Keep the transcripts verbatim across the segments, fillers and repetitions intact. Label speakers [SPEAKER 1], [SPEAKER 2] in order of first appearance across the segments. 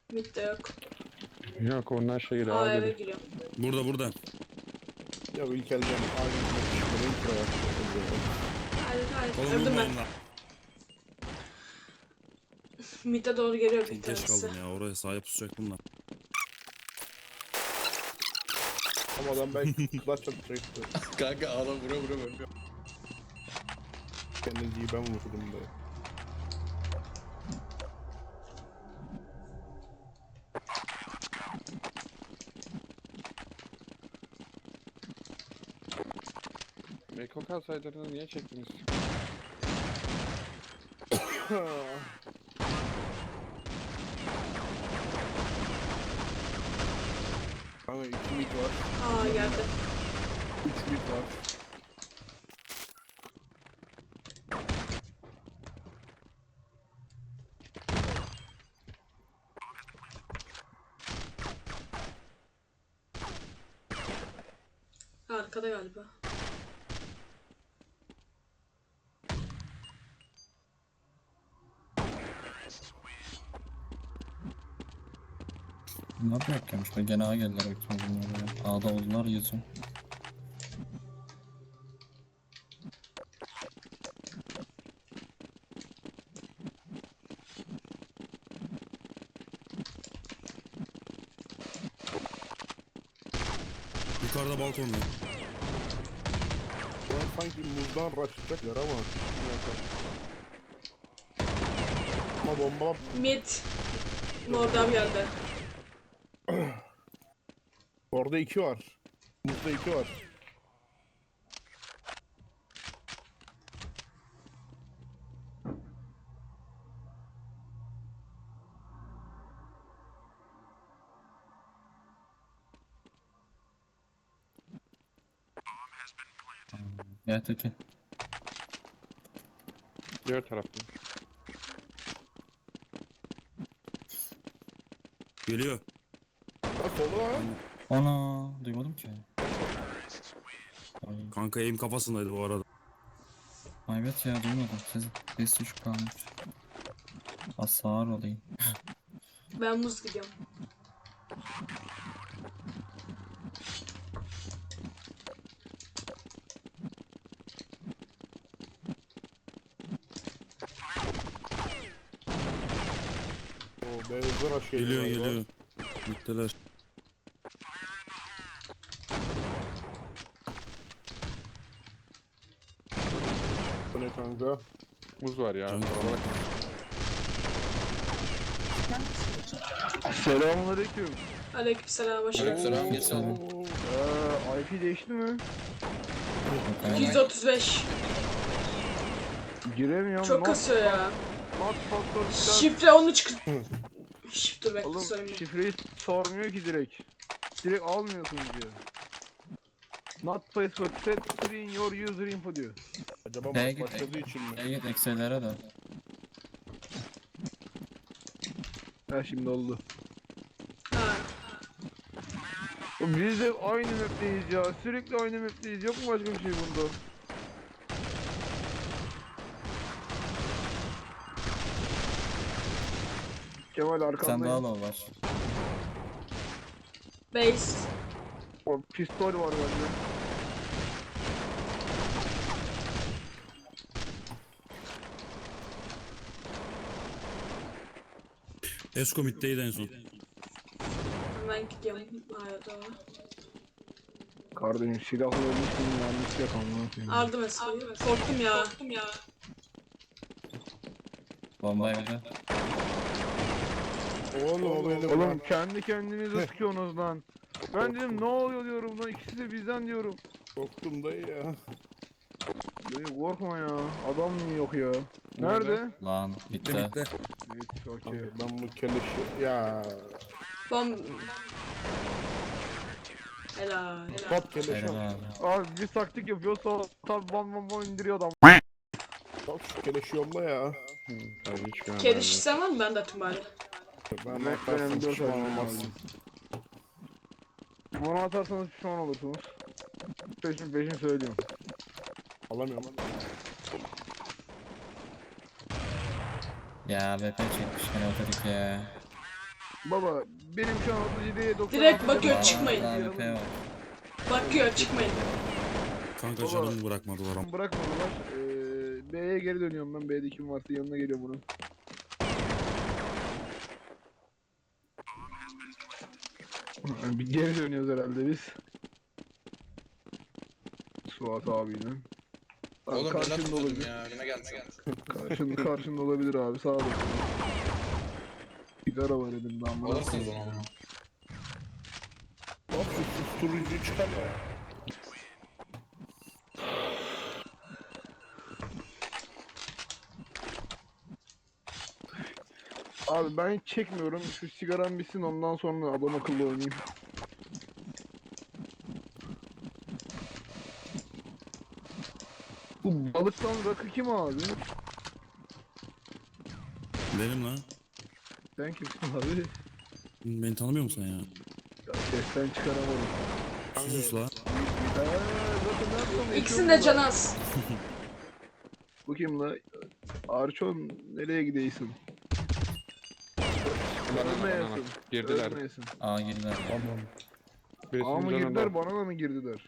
[SPEAKER 1] Mid de yok.
[SPEAKER 2] Yok ondan şey geliyor.
[SPEAKER 1] Aa
[SPEAKER 2] Aa,
[SPEAKER 1] eve
[SPEAKER 2] geliyor.
[SPEAKER 1] giriyor.
[SPEAKER 3] Burada burada.
[SPEAKER 4] Ya bu ilk elden aynı bir intro var.
[SPEAKER 1] Hayır hayır.
[SPEAKER 3] Oğlum
[SPEAKER 1] Öldüm ben.
[SPEAKER 3] vurmayın lan.
[SPEAKER 1] Mid'e doğru geliyor bir
[SPEAKER 3] Çok geç
[SPEAKER 1] tanesi.
[SPEAKER 3] kaldım ya. Oraya sahip pusacak bunlar.
[SPEAKER 4] Ama adam belki clutch atacaktı.
[SPEAKER 5] Kanka adam vura vura ölmüyor.
[SPEAKER 4] Kennedy'yi ben vurdum da.
[SPEAKER 2] Meko kalsaydınız niye çektiniz?
[SPEAKER 4] Kanka iki mid var.
[SPEAKER 1] Aa geldi.
[SPEAKER 4] Üç mid var.
[SPEAKER 1] Arkada galiba.
[SPEAKER 6] Bunlar da yok gelmiş. Gene A geldiler bakayım bunlar ya. A'da oldular yüzüm.
[SPEAKER 3] Yukarıda balkonda.
[SPEAKER 4] Ulan sanki muzdan rushlayacaklar ama. Ama bomba
[SPEAKER 1] Mid. Mordan geldi.
[SPEAKER 4] orada iki var. Muzda iki var.
[SPEAKER 6] Ya Tekin.
[SPEAKER 2] Diğer tarafta.
[SPEAKER 3] Geliyor.
[SPEAKER 4] Ha solu ha.
[SPEAKER 6] Ana duymadım ki. Ay,
[SPEAKER 3] Kanka aim kafasındaydı bu arada.
[SPEAKER 6] ay evet ya duymadım. Siz ses düşük kalmış. Az sağır olayım.
[SPEAKER 1] Ben muz gidiyorum.
[SPEAKER 4] O beyazlar rush
[SPEAKER 3] Geliyor
[SPEAKER 4] galiba.
[SPEAKER 3] geliyor. Bittiler.
[SPEAKER 4] Bu ne kanka?
[SPEAKER 2] Muz var ya.
[SPEAKER 3] Canım.
[SPEAKER 7] Selamünaleyküm.
[SPEAKER 1] Aleykümselam hoş geldin.
[SPEAKER 5] Aleykümselam.
[SPEAKER 6] Geçelim.
[SPEAKER 7] Ee, I P değişti mi?
[SPEAKER 1] yüz otuz beş.
[SPEAKER 7] Giremiyorum.
[SPEAKER 1] Çok
[SPEAKER 7] not,
[SPEAKER 1] kasıyor ya.
[SPEAKER 7] not faktör bir
[SPEAKER 1] Şifre onu çık... Şifre bekle
[SPEAKER 7] Oğlum
[SPEAKER 1] söyleyeyim.
[SPEAKER 7] şifreyi sormuyor ki direkt. Direkt almıyorsun diyor. Not password set screen your user info diyor.
[SPEAKER 4] Acaba
[SPEAKER 6] B'ye
[SPEAKER 4] maç
[SPEAKER 6] git.
[SPEAKER 4] başladığı için mi?
[SPEAKER 6] Gel git ekselere de.
[SPEAKER 7] Ha şimdi oldu.
[SPEAKER 1] Ha.
[SPEAKER 7] Oğlum biz de aynı map'teyiz ya. Sürekli aynı map'teyiz. Yok mu başka bir şey bunda? Kemal
[SPEAKER 6] Sen daha
[SPEAKER 7] arkandayım.
[SPEAKER 6] low var.
[SPEAKER 1] Base.
[SPEAKER 7] O pistol var bende.
[SPEAKER 3] Esko middeydi en son.
[SPEAKER 1] Hemen gidiyorum. Aya doğru.
[SPEAKER 7] Kardeşim silahla ölmüş miyim yanlış yakalım.
[SPEAKER 1] Aldım eskiyi. Korktum ya. Korktum ya.
[SPEAKER 6] Bomba evde.
[SPEAKER 4] Oğlum o beni
[SPEAKER 7] Oğlum
[SPEAKER 4] bırak.
[SPEAKER 7] kendi kendinize sıkıyorsunuz lan. Ben dedim ne oluyor diyorum lan, ikisi de bizden diyorum.
[SPEAKER 4] Korktum dayı ya.
[SPEAKER 7] Dayı korkma ya, adam mı yok ya? Nerede?
[SPEAKER 6] Lan
[SPEAKER 3] Bitti
[SPEAKER 6] bitti.
[SPEAKER 3] bitti.
[SPEAKER 7] Evet, okey.
[SPEAKER 4] Kanka ben bu keleşi... Ya...
[SPEAKER 1] Bom... Helal. Helal.
[SPEAKER 4] Pat keleşi
[SPEAKER 6] Helal
[SPEAKER 4] al.
[SPEAKER 6] abi.
[SPEAKER 7] Abi bir taktik yapıyor, sonra tabi bam bam bam indiriyor adam.
[SPEAKER 4] Al şu keleşi yolla ya.
[SPEAKER 2] Ben hiç görmedim.
[SPEAKER 1] Kedi şişsen var mı? Ben de atayım bari.
[SPEAKER 4] Ben
[SPEAKER 7] Ben
[SPEAKER 4] atarsam
[SPEAKER 7] benim dört
[SPEAKER 4] pişman
[SPEAKER 7] tane
[SPEAKER 4] olmazsın.
[SPEAKER 7] Bana atarsanız pişman olursunuz. Peşin peşin söylüyorum.
[SPEAKER 4] Alamıyorum.
[SPEAKER 6] Ya V P çekmiş gene otodik ya.
[SPEAKER 7] Baba benim şu an otuz yediye doksan.
[SPEAKER 1] Direkt bakıyor,
[SPEAKER 6] Aa,
[SPEAKER 1] çıkmayın.
[SPEAKER 6] A W P var.
[SPEAKER 1] Bakıyor, çıkmayın.
[SPEAKER 3] Kanka
[SPEAKER 7] Baba.
[SPEAKER 3] canımı bırakmadılar ama.
[SPEAKER 7] Bırakmadılar. Ee, B'ye geri dönüyorum ben. B'de kim varsa yanına geliyorum bunun. Bir geri dönüyoruz herhalde biz. Suat abiyle. Abi
[SPEAKER 5] Oğlum ben
[SPEAKER 7] karşında
[SPEAKER 5] atıyordum
[SPEAKER 7] olabilir.
[SPEAKER 5] ya. Yine gelmiş.
[SPEAKER 7] Karşında, karşında olabilir abi. Sağ olasın. Sigara var elimde ama.
[SPEAKER 5] Alırsınız onu.
[SPEAKER 4] Bak şu susturucuyu çıkar ya.
[SPEAKER 7] Abi ben hiç çekmiyorum. Şu sigaram bitsin ondan sonra adam akıllı oynayayım. Bu balıktan rakı kim abi?
[SPEAKER 3] Benim lan.
[SPEAKER 7] Sen kimsin abi?
[SPEAKER 3] Beni tanımıyor musun sen ya?
[SPEAKER 7] Ya sesten çıkaramadım.
[SPEAKER 3] Sus la.
[SPEAKER 7] Eee zaten ne yapalım?
[SPEAKER 1] İkisinin de canı az.
[SPEAKER 7] Bu kim la? Arçon nereye gidiyorsun?
[SPEAKER 2] Banana banana.
[SPEAKER 7] Ölmeyesin.
[SPEAKER 2] Girdiler.
[SPEAKER 7] Ölmeyesin.
[SPEAKER 6] A girdiler.
[SPEAKER 4] Tamam.
[SPEAKER 2] Birisinin
[SPEAKER 7] Aa mı
[SPEAKER 2] canı
[SPEAKER 7] girdiler
[SPEAKER 2] da-
[SPEAKER 7] bana da mı girdiler?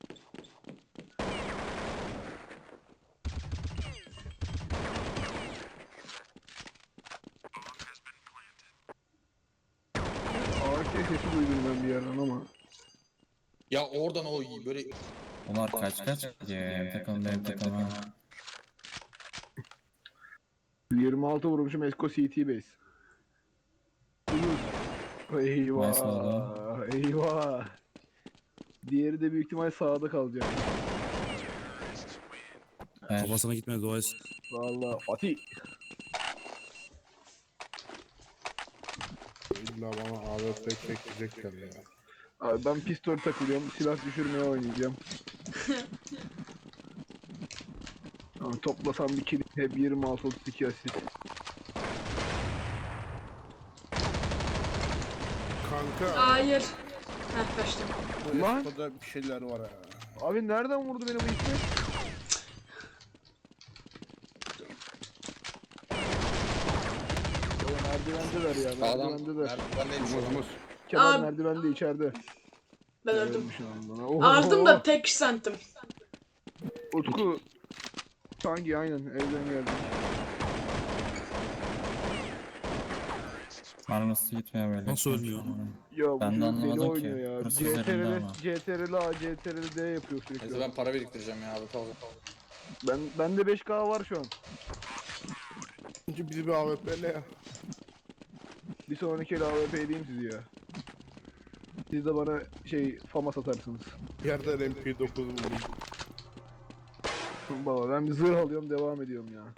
[SPEAKER 7] A K sesi duydum ben bir yerden ama.
[SPEAKER 5] Ya oradan o böyle
[SPEAKER 6] Onlar kaç kaç gidiyor ya. Hem takım benim takım ha.
[SPEAKER 7] yirmi altı vurmuşum Esko C T base. Eyvah.
[SPEAKER 6] Nice oldu.
[SPEAKER 7] Eyvah. Diğeri de büyük ihtimal sağda kalacak.
[SPEAKER 6] Ben
[SPEAKER 3] Kafasına gitmedi dua etsin.
[SPEAKER 7] Vallahi Fatih.
[SPEAKER 4] İlla bana A W P çekecekler ya.
[SPEAKER 7] Abi ben pistol takılıyorum. Silah düşürmeye oynayacağım. Ama toplasam bir kill hep yirmi altı otuz iki asist.
[SPEAKER 4] Kanka.
[SPEAKER 1] Hayır. Heh, kaçtım.
[SPEAKER 4] Bu
[SPEAKER 7] Lan.
[SPEAKER 4] Esco'da bir şeyler var ha.
[SPEAKER 7] Abi nereden vurdu beni bu ismi? Ya merdivendeler ya,
[SPEAKER 5] adam
[SPEAKER 7] merdivendeler.
[SPEAKER 5] merdivendeymiş
[SPEAKER 2] Muz
[SPEAKER 5] adam.
[SPEAKER 2] muz.
[SPEAKER 7] Kemal
[SPEAKER 1] Abi.
[SPEAKER 7] merdivende içeride.
[SPEAKER 1] Ben öldüm.
[SPEAKER 7] Ölmüş lan bana. Oho.
[SPEAKER 1] Aldım da tek santim.
[SPEAKER 7] Utku. Hangi aynen evden geldi.
[SPEAKER 6] bana nasıl gitmiyor böyle.
[SPEAKER 3] Nasıl ölmüyor?
[SPEAKER 7] Ya bu
[SPEAKER 6] Ben de
[SPEAKER 7] çocuk deli
[SPEAKER 6] anlamadım ki.
[SPEAKER 7] oynuyor ya.
[SPEAKER 6] Burası
[SPEAKER 7] C T R
[SPEAKER 6] üzerinde
[SPEAKER 7] L,
[SPEAKER 6] ama.
[SPEAKER 7] C T R L A, C T R L D yapıyor
[SPEAKER 5] Neyse
[SPEAKER 7] sürekli.
[SPEAKER 5] ben para biriktireceğim ya abi kaldı.
[SPEAKER 7] Ben bende beş K var şu an.
[SPEAKER 4] Önce bizi bir A W P'le ya.
[SPEAKER 7] Bir sonraki el A W P edeyim sizi ya. Siz de bana şey fama satarsınız.
[SPEAKER 4] Yerden M P dokuz buldum.
[SPEAKER 7] Baba ben bir zırh alıyorum devam ediyorum ya.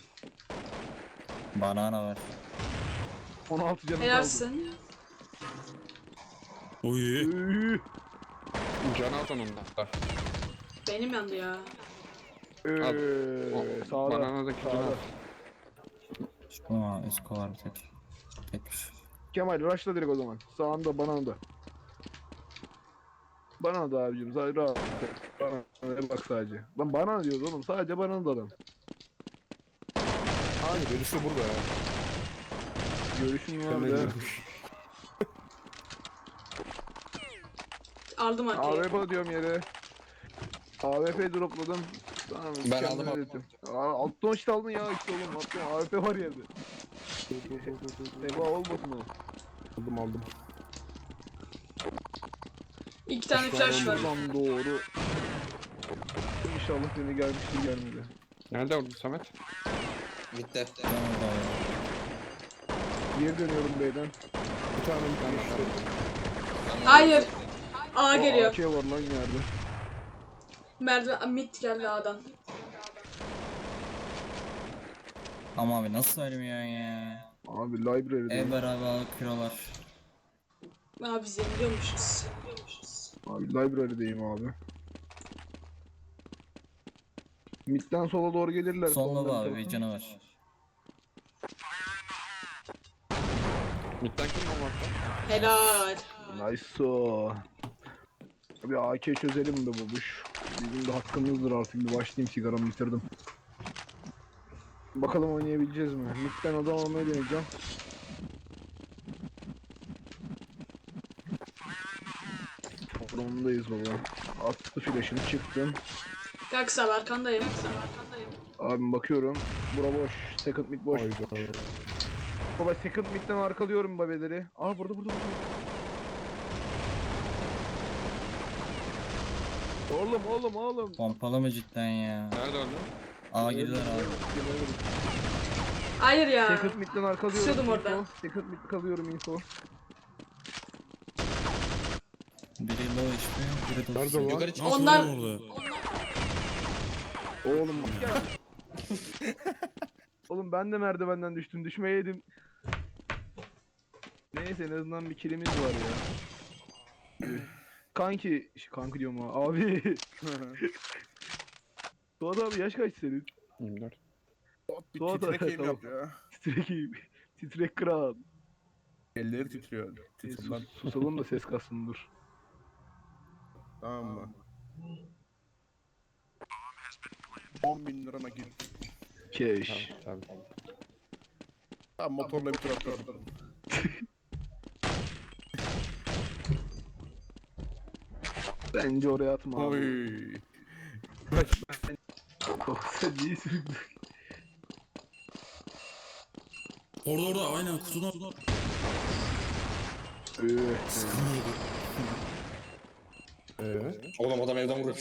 [SPEAKER 6] Banana var.
[SPEAKER 7] on altı canım kaldı.
[SPEAKER 1] Helalsin.
[SPEAKER 3] Oy.
[SPEAKER 7] Üh,
[SPEAKER 2] Can az onun da.
[SPEAKER 1] Benim yandı ya.
[SPEAKER 7] üh,
[SPEAKER 2] O
[SPEAKER 7] sağda.
[SPEAKER 2] bananadaki can
[SPEAKER 7] Sağda.
[SPEAKER 2] az.
[SPEAKER 6] Ama Esko var bir tek. Tekmiş.
[SPEAKER 7] Kemal rushla direkt o zaman. Sağında bana da. Bana da abicim sadece rahat. Bana bak sadece. Lan bana diyoruz oğlum sadece bana da adam.
[SPEAKER 4] Hani birisi burada ya.
[SPEAKER 7] Görüşün var
[SPEAKER 4] Kendine
[SPEAKER 7] da.
[SPEAKER 4] girmiş.
[SPEAKER 1] Aldım arkayı.
[SPEAKER 7] A W P diyorum yere. A W P dropladım. Tamam,
[SPEAKER 5] Ben
[SPEAKER 7] kendime
[SPEAKER 5] aldım, aldım.
[SPEAKER 7] dedim. Aa, alttan işte aldın ya işte oğlum. Alttan A W P var yerde. Eba olmasın o.
[SPEAKER 4] Aldım aldım.
[SPEAKER 1] İki tane flash var.
[SPEAKER 7] Lan doğru. İnşallah seni gelmiştir gelmedi.
[SPEAKER 2] Nerede orada Samet?
[SPEAKER 5] Bitti.
[SPEAKER 6] Ben orada ya.
[SPEAKER 7] Geri dönüyorum beyden.
[SPEAKER 4] Bir tane bir tane işte.
[SPEAKER 1] Hayır. A
[SPEAKER 7] Aa,
[SPEAKER 1] geliyor.
[SPEAKER 7] A K var lan yerde.
[SPEAKER 1] Merdiven mid geldi A'dan.
[SPEAKER 6] Ama abi nasıl ölmüyor ya?
[SPEAKER 7] Abi library'de.
[SPEAKER 6] Ev beraber alıp kiralar.
[SPEAKER 1] Abi zeniliyormuşuz.
[SPEAKER 7] Abi library'deyim abi. Mid'den sola doğru gelirler.
[SPEAKER 6] Sonunda
[SPEAKER 7] soldan
[SPEAKER 6] da abi
[SPEAKER 7] tarafa.
[SPEAKER 6] bir canı var.
[SPEAKER 2] Midden kim bomba attı?
[SPEAKER 1] Helal.
[SPEAKER 7] Nice o. Abi A K çözelim be babuş. Bizim de hakkımızdır artık bir başlayayım sigaramı bitirdim. Bakalım oynayabileceğiz mi? Mid'den adam almaya deneyeceğim. Drone'dayız baba. Attı flash'ını çıktım.
[SPEAKER 1] Gel kısa arkandayım.
[SPEAKER 7] Abim bakıyorum. Bura boş. Second mid boş.
[SPEAKER 4] Hayda.
[SPEAKER 7] Baba second mid'den arkalıyorum babeleri. Aa burada burada burada. Oğlum oğlum oğlum.
[SPEAKER 6] Pompalı mı cidden ya?
[SPEAKER 2] Nerede öldü?
[SPEAKER 6] A girdiler abi.
[SPEAKER 1] Hayır ya.
[SPEAKER 7] Second mid'den arkalıyorum.
[SPEAKER 1] Kusuyordum
[SPEAKER 7] info.
[SPEAKER 1] orada.
[SPEAKER 7] Second mid kalıyorum info.
[SPEAKER 6] Biri low H P, biri de
[SPEAKER 4] Nerede lan?
[SPEAKER 5] Yukarı çık.
[SPEAKER 3] Nasıl
[SPEAKER 1] Onlar-
[SPEAKER 3] oğlum orada?
[SPEAKER 7] Oğlum gel. Oğlum ben de merdivenden düştüm. Düşmeyeydim. Neyse en azından bir kilimiz var ya. Kanki, ş- kanki diyorum ha. Abi. Suat abi yaş kaç senin?
[SPEAKER 2] yirmi dört.
[SPEAKER 4] Bir
[SPEAKER 7] Suat
[SPEAKER 4] titrek
[SPEAKER 7] abi,
[SPEAKER 4] eğim
[SPEAKER 7] tamam.
[SPEAKER 4] yap ya.
[SPEAKER 7] Titrek, titrek kral.
[SPEAKER 4] Elleri titriyor.
[SPEAKER 7] E,
[SPEAKER 4] Titrinden.
[SPEAKER 7] sus- susalım da ses kalsın dur.
[SPEAKER 4] Tamam mı? on bin lira nakit.
[SPEAKER 7] Keş.
[SPEAKER 2] Tabii tabii.
[SPEAKER 4] Tamam motorla bir tur atladım.
[SPEAKER 7] Bence oraya atma abi.
[SPEAKER 4] Oy.
[SPEAKER 7] Oh, sen niye süründün?
[SPEAKER 3] Orada orada aynen kutudan.
[SPEAKER 7] Öh.
[SPEAKER 4] Ee?
[SPEAKER 5] Oğlum adam evden vuruyor.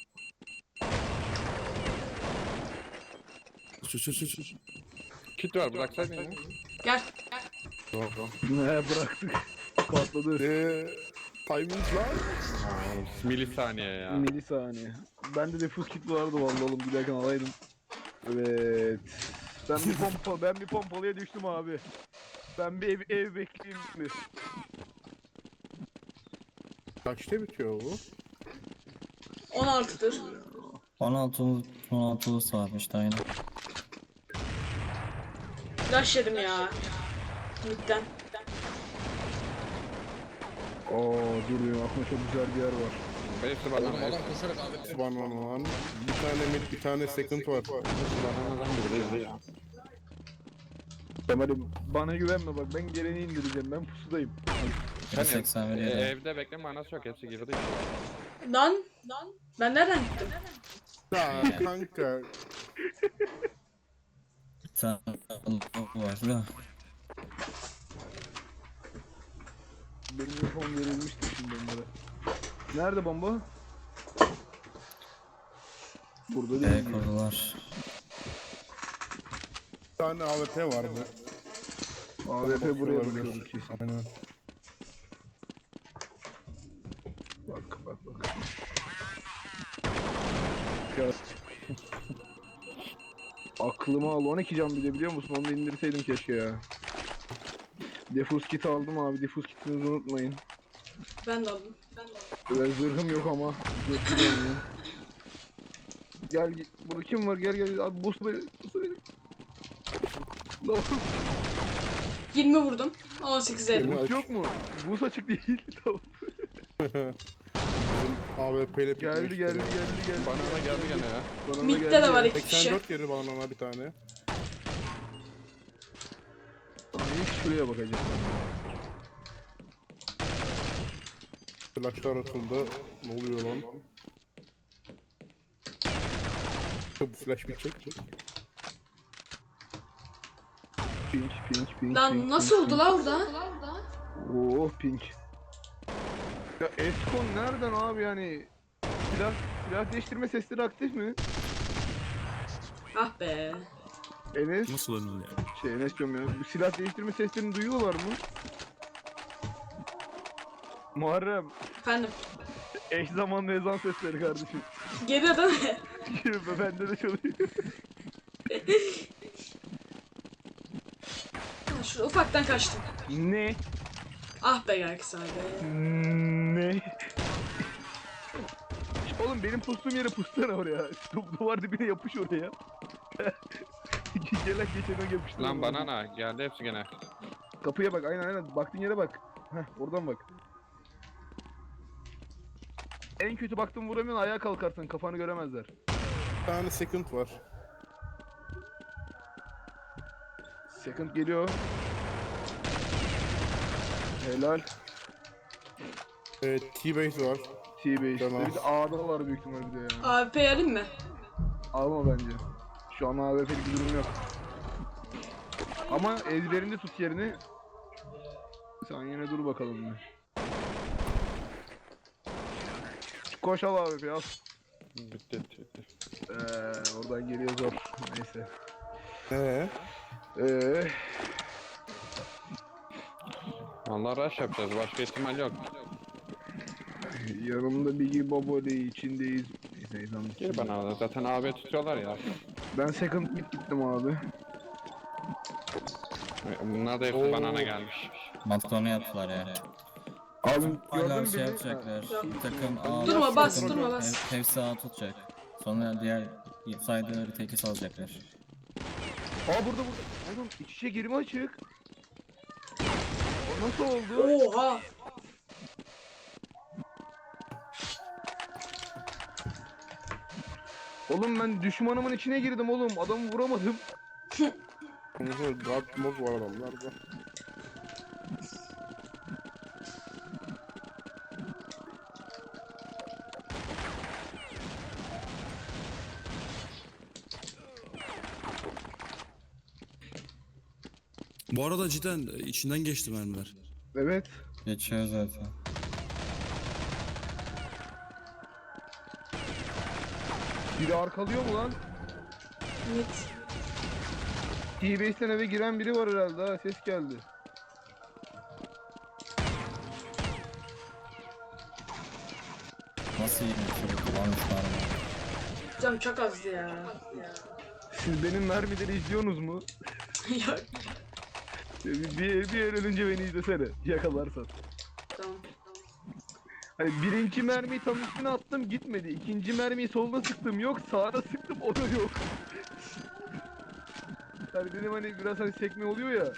[SPEAKER 3] Çö çö çö çö.
[SPEAKER 2] Kit var bıraksaydın ya.
[SPEAKER 1] Gel.
[SPEAKER 7] Ne bıraktık. Patladı.
[SPEAKER 4] Eee... Timing lan.
[SPEAKER 2] Milisaniye ya.
[SPEAKER 7] Milisaniye. Bende de fus kit vardı vallahi oğlum giderken alaydım. Evet. Ben bir pompa, ben bir pompalıya düştüm abi. Ben bir ev, ev bekleyeyim mi?
[SPEAKER 4] Kaçta bitiyor bu?
[SPEAKER 1] on altıdır.
[SPEAKER 6] on altı on altı varmış da aynen.
[SPEAKER 1] Flash yedim ya. Midden.
[SPEAKER 7] Oo dur ya aklıma çok güzel bir yer var.
[SPEAKER 2] Beşli
[SPEAKER 5] Oğlum
[SPEAKER 2] banana.
[SPEAKER 5] adam koşarak abi.
[SPEAKER 4] Subhanallah. Bir tane mid, bir tane second var.
[SPEAKER 2] Bananadan biri ya.
[SPEAKER 7] Kemal'im bana güvenme bak ben geleni indireceğim ben pusudayım.
[SPEAKER 6] Biri seksen veriyor da.
[SPEAKER 2] Evde bekleme manası yok hepsi girdi.
[SPEAKER 1] Lan. Lan. Ben nereden gittim?
[SPEAKER 4] Ya kanka.
[SPEAKER 6] Bir tane low var da.
[SPEAKER 7] Benim uniform verilmişti şimdi onlara. Nerede bomba? Burada
[SPEAKER 6] B
[SPEAKER 7] değil mi?
[SPEAKER 6] kurdular.
[SPEAKER 4] Bir tane A W P vardı.
[SPEAKER 7] A W P buraya
[SPEAKER 4] Bakıyorlar
[SPEAKER 7] bakıyordu kesin.
[SPEAKER 4] Aynen.
[SPEAKER 7] Bak bak bak. Ya. Aklıma al on iki can bir de biliyor musun? Onu da indirseydim keşke ya. Defus kit aldım abi. Defus kitinizi unutmayın.
[SPEAKER 1] Ben de aldım. Ben de aldım.
[SPEAKER 7] Böyle zırhım yok ama. Zırhım yok. Gel git. Burada kim var? Gel gel. Abi boss beni. Boss beni. Lan
[SPEAKER 1] yirmi vurdum. on sekiz elli.
[SPEAKER 7] boss yok mu? Boss açık değil. Tamam.
[SPEAKER 4] A W P ile
[SPEAKER 7] Geldi geldi geldi geldi.
[SPEAKER 2] Banana geldi gene ya.
[SPEAKER 7] Banana
[SPEAKER 1] Mid'de
[SPEAKER 7] geldi
[SPEAKER 1] de var
[SPEAKER 7] ya.
[SPEAKER 1] iki kişi.
[SPEAKER 4] seksen dört yeri banana bir tane.
[SPEAKER 7] Ay, şuraya bakacağım.
[SPEAKER 4] Flashlar atıldı. Ne oluyor lan? Bu flash bir çek.
[SPEAKER 7] Pink pink pink.
[SPEAKER 1] Lan
[SPEAKER 7] pink,
[SPEAKER 1] nasıl
[SPEAKER 7] pink,
[SPEAKER 1] oldu la orada?
[SPEAKER 7] pink. Oh pink. Ya Eskon nereden abi yani? Silah, silah değiştirme sesleri aktif mi?
[SPEAKER 1] Ah be.
[SPEAKER 7] Enes,
[SPEAKER 3] Nasıl önüne ya?
[SPEAKER 7] şey Enes diyorum ya. Bu silah değiştirme seslerini duyuyorlar mı? Muharrem,
[SPEAKER 1] Efendim.
[SPEAKER 7] eş zamanlı ezan sesleri kardeşim.
[SPEAKER 1] Geliyor değil mi?
[SPEAKER 7] Bende de çalıyor.
[SPEAKER 1] Ha, Şurada ufaktan kaçtım.
[SPEAKER 7] Ne?
[SPEAKER 1] Ah be gel kısa be.
[SPEAKER 7] Ne? Oğlum benim pustuğum yere pustana oraya. Du- Duvar dibine yapış oraya. Gelen geçene yapıştır.
[SPEAKER 2] Lan banana geldi hepsi gene.
[SPEAKER 7] Kapıya bak aynen aynen. Baktığın yere bak. Heh oradan bak. En kötü baktın vuramıyorsun ayağa kalkarsın kafanı göremezler.
[SPEAKER 4] Bir tane second var.
[SPEAKER 7] Second geliyor. Helal.
[SPEAKER 4] Ee, T-base var.
[SPEAKER 7] T-Base'de.
[SPEAKER 4] Tamam.
[SPEAKER 7] Bir de A'da var büyük ihtimal bir de ya.
[SPEAKER 1] A W P alayım mı?
[SPEAKER 7] Alma bence. Şu an A W P'lik bir durum yok. Ama ezberinde tut yerini. Sen yine dur bakalım bir. Koş al A W P'yi al.
[SPEAKER 2] Bitti bitti bitti.
[SPEAKER 7] Eee oradan geliyor zor. Neyse.
[SPEAKER 4] Ee,
[SPEAKER 7] Eee
[SPEAKER 2] Vallahi rush yapacağız. Başka ihtimal yok.
[SPEAKER 7] yanımda Biggie Boboli içindeyiz. Neyse izledim.
[SPEAKER 2] Gir bana. Zaten A B tutuyorlar ya.
[SPEAKER 7] Ben second mid gittim abi.
[SPEAKER 2] Bunlar da hepsi
[SPEAKER 4] Oo.
[SPEAKER 2] banana gelmiş.
[SPEAKER 6] Matkonu yaptılar ya.
[SPEAKER 7] Abi
[SPEAKER 6] Hala
[SPEAKER 7] gördün
[SPEAKER 6] şey
[SPEAKER 7] beni.
[SPEAKER 6] yapacaklar.
[SPEAKER 1] Yok.
[SPEAKER 6] Bir takım A,
[SPEAKER 1] Durma,
[SPEAKER 6] bir
[SPEAKER 1] bas,
[SPEAKER 6] takım
[SPEAKER 1] durma, bas.
[SPEAKER 6] Hev- Hepsi A tutacak. Sonra diğer saydıları teki salacaklar.
[SPEAKER 7] Aa burada burada. Oğlum iç içe girme açık. O nasıl oldu?
[SPEAKER 1] Oha.
[SPEAKER 7] Oğlum ben düşmanımın içine girdim oğlum. Adamı vuramadım.
[SPEAKER 4] Mesela Dark Mode var adamlarda.
[SPEAKER 3] Bu arada cidden içinden geçti mermiler.
[SPEAKER 7] Evet.
[SPEAKER 6] Geçiyor zaten.
[SPEAKER 7] Biri arkalıyor mu lan?
[SPEAKER 1] Mid.
[SPEAKER 7] T-Base'den eve giren biri var herhalde ha. Ses geldi.
[SPEAKER 6] Nasıl yine çocuk kullanmışlar mı?
[SPEAKER 1] Canım çok azdı ya.
[SPEAKER 7] Siz benim mermileri izliyorsunuz mu?
[SPEAKER 1] Yok.
[SPEAKER 7] Bir, bir, bir el önce beni izlesene. Yakalarsan.
[SPEAKER 1] Tamam.
[SPEAKER 7] Hani birinci mermiyi tam üstüne attım gitmedi. İkinci mermiyi solda sıktım yok. Sağda sıktım o da yok. Hani dedim hani biraz hani sekme oluyor ya.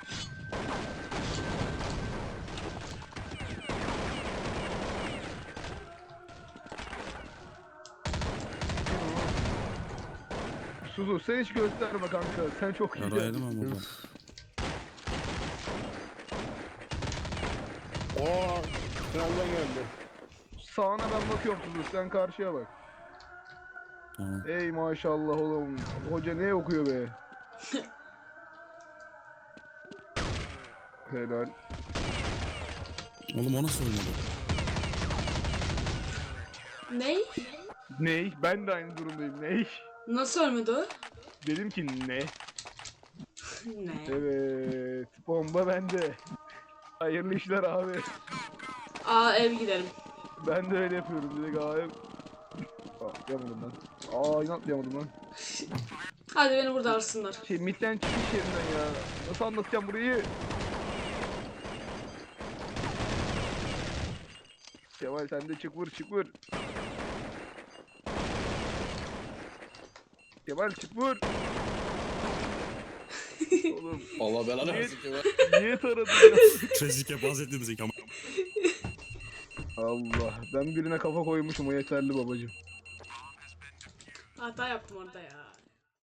[SPEAKER 7] Suzu sen hiç gösterme kanka. Sen çok iyi.
[SPEAKER 3] Yarayalım ama burada.
[SPEAKER 4] Aa, tünelden geldi.
[SPEAKER 7] Sağına ben bakıyorum Suzu. Sen karşıya bak.
[SPEAKER 3] Tamam.
[SPEAKER 7] Ey maşallah oğlum. Hoca ne okuyor be? Helal.
[SPEAKER 3] Oğlum o nasıl oynadı?
[SPEAKER 1] Ney?
[SPEAKER 7] Ney? Ben de aynı durumdayım. Ney?
[SPEAKER 1] Nasıl ölmedi o?
[SPEAKER 7] Dedim ki ne?
[SPEAKER 1] Ne?
[SPEAKER 7] Evet. Bomba bende. Hayırlı işler abi.
[SPEAKER 1] Aa ev gidelim.
[SPEAKER 7] Ben de öyle yapıyorum. Direkt abi. Aa, atlayamadım lan. Aa yine atlayamadım lan.
[SPEAKER 1] Hadi beni burada arsınlar.
[SPEAKER 7] Şey midden çıkış yerinden ya. Nasıl anlatacağım burayı? Kemal sen de çık vur çık vur. Kemal çık vur. Oğlum
[SPEAKER 5] Allah belanı
[SPEAKER 7] Niye-
[SPEAKER 5] versin ki be.
[SPEAKER 7] niye taradın ya?
[SPEAKER 3] Trezike bahsettiğimiz ilk ama.
[SPEAKER 7] Allah ben birine kafa koymuşum o yeterli babacım.
[SPEAKER 1] Hata yaptım orada ya.